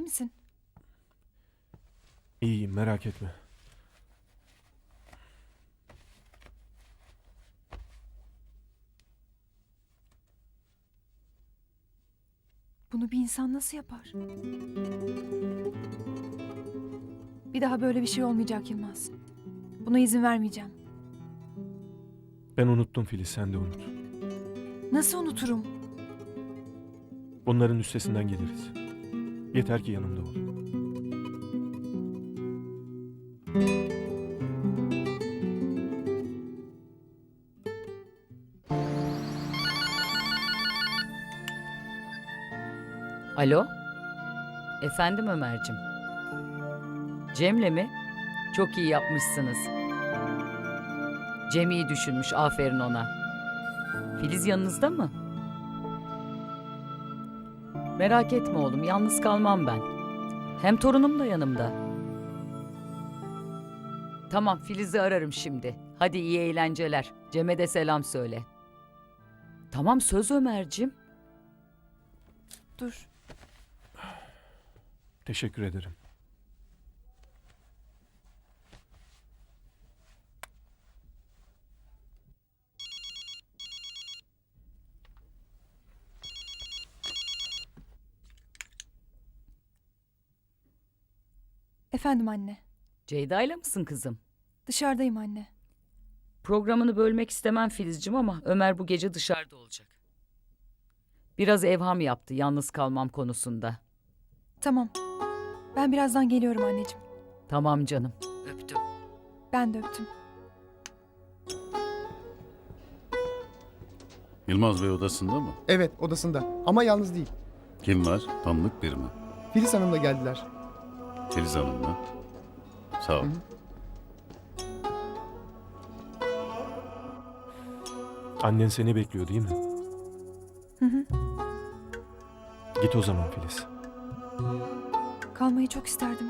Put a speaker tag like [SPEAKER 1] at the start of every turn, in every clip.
[SPEAKER 1] misin?
[SPEAKER 2] İyiyim, merak etme.
[SPEAKER 1] Bunu bir insan nasıl yapar? Bir daha böyle bir şey olmayacak Yılmaz. Buna izin vermeyeceğim.
[SPEAKER 2] Ben unuttum Filiz, sen de unut.
[SPEAKER 1] Nasıl unuturum?
[SPEAKER 2] Bunların üstesinden geliriz. Yeter ki yanımda ol.
[SPEAKER 3] Alo? Efendim Ömer'cim. Cem'le mi? Çok iyi yapmışsınız. Cem iyi düşünmüş, aferin ona. Filiz yanınızda mı? Merak etme oğlum, yalnız kalmam ben. Hem torunum da yanımda. Tamam, Filiz'i ararım şimdi. Hadi iyi eğlenceler. Cem'e de selam söyle. Tamam, söz Ömer'cim.
[SPEAKER 1] Dur.
[SPEAKER 2] Teşekkür ederim.
[SPEAKER 1] Efendim anne.
[SPEAKER 3] Ceyda'yla mısın kızım?
[SPEAKER 1] Dışarıdayım anne.
[SPEAKER 3] Programını bölmek istemem Filizcim ama Ömer bu gece dışarıda olacak. Biraz evham yaptı yalnız kalmam konusunda.
[SPEAKER 1] Tamam. Ben birazdan geliyorum anneciğim.
[SPEAKER 3] Tamam canım. Öptüm.
[SPEAKER 1] Ben de öptüm.
[SPEAKER 4] Yılmaz Bey odasında mı?
[SPEAKER 5] Evet, odasında. Ama yalnız değil.
[SPEAKER 4] Kim var? Tanıdık biri mi?
[SPEAKER 5] Filiz Hanım da geldiler.
[SPEAKER 4] Filiz Hanım mı? Sağ ol.
[SPEAKER 5] Hı.
[SPEAKER 2] Annen seni bekliyor değil mi?
[SPEAKER 1] Hı hı.
[SPEAKER 2] Git o zaman Filiz.
[SPEAKER 1] Kalmayı çok isterdim.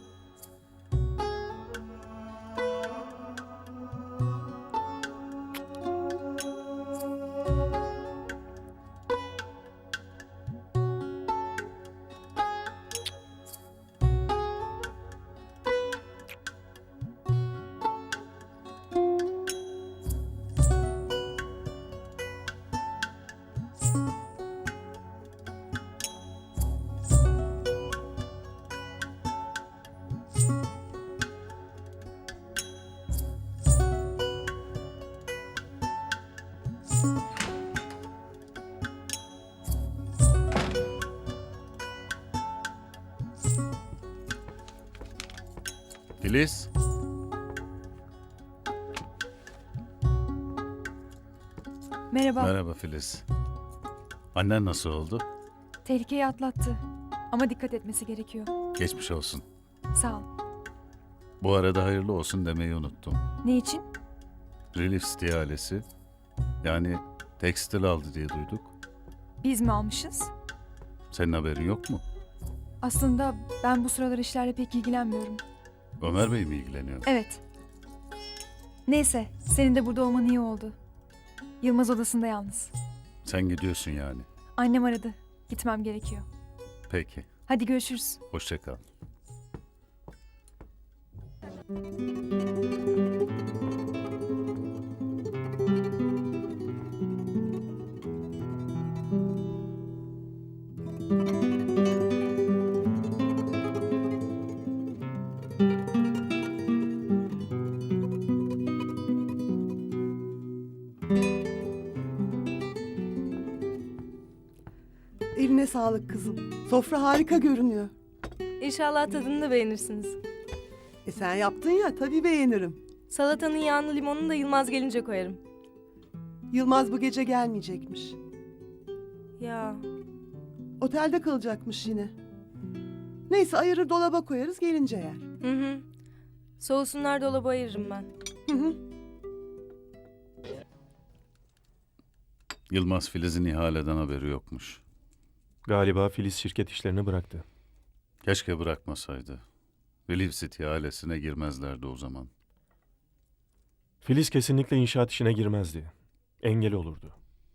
[SPEAKER 4] Filiz.
[SPEAKER 1] Merhaba.
[SPEAKER 4] Merhaba Filiz. Annen nasıl oldu?
[SPEAKER 1] Tehlikeyi atlattı. Ama dikkat etmesi gerekiyor.
[SPEAKER 4] Geçmiş olsun.
[SPEAKER 1] Sağ ol.
[SPEAKER 4] Bu arada hayırlı olsun demeyi unuttum.
[SPEAKER 1] Ne için?
[SPEAKER 4] Relief City ailesi. Yani tekstil aldı diye duyduk.
[SPEAKER 1] Biz mi almışız?
[SPEAKER 4] Senin haberin yok mu?
[SPEAKER 1] Aslında ben bu sıralar işlerle pek ilgilenmiyorum.
[SPEAKER 4] Ömer Bey mi ilgileniyor?
[SPEAKER 1] Evet. Neyse, senin de burada olman iyi oldu. Yılmaz odasında yalnız.
[SPEAKER 4] Sen gidiyorsun yani.
[SPEAKER 1] Annem aradı. Gitmem gerekiyor.
[SPEAKER 4] Peki.
[SPEAKER 1] Hadi görüşürüz.
[SPEAKER 4] Hoşça kal.
[SPEAKER 6] Eline sağlık kızım. Sofra harika görünüyor.
[SPEAKER 7] İnşallah tadını da beğenirsiniz.
[SPEAKER 6] Sen yaptın ya, tabii beğenirim.
[SPEAKER 7] Salatanın yağını limonunu da Yılmaz gelince koyarım.
[SPEAKER 6] Yılmaz bu gece gelmeyecekmiş.
[SPEAKER 7] Ya
[SPEAKER 6] Otelde kalacakmış yine. Neyse ayırır dolaba koyarız, gelince yer.
[SPEAKER 7] hı. Soğusunlar, dolaba ayırırım ben.
[SPEAKER 6] Hı hı.
[SPEAKER 4] Yılmaz Filiz'in ihaleden haberi yokmuş.
[SPEAKER 2] Galiba Filiz şirket işlerini bıraktı.
[SPEAKER 4] Keşke bırakmasaydı. Relief City ailesine girmezlerdi o zaman.
[SPEAKER 2] Filiz kesinlikle inşaat işine girmezdi. Engel olurdu.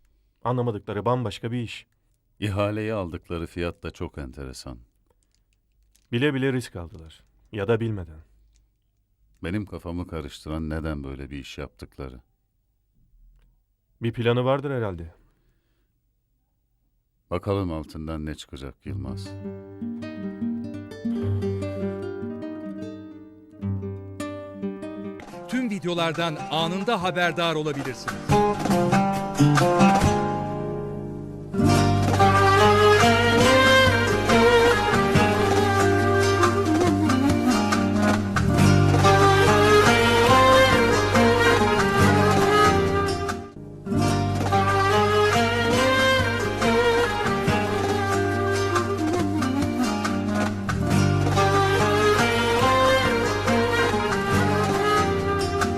[SPEAKER 2] Anlamadıkları bambaşka bir iş.
[SPEAKER 4] İhaleyi aldıkları fiyat da çok enteresan.
[SPEAKER 2] Bile bile risk aldılar. Ya da bilmeden.
[SPEAKER 4] Benim kafamı karıştıran neden böyle bir iş yaptıkları.
[SPEAKER 2] Bir planı vardır herhalde.
[SPEAKER 4] Bakalım altından ne çıkacak Yılmaz.
[SPEAKER 8] Tüm videolardan anında haberdar olabilirsiniz.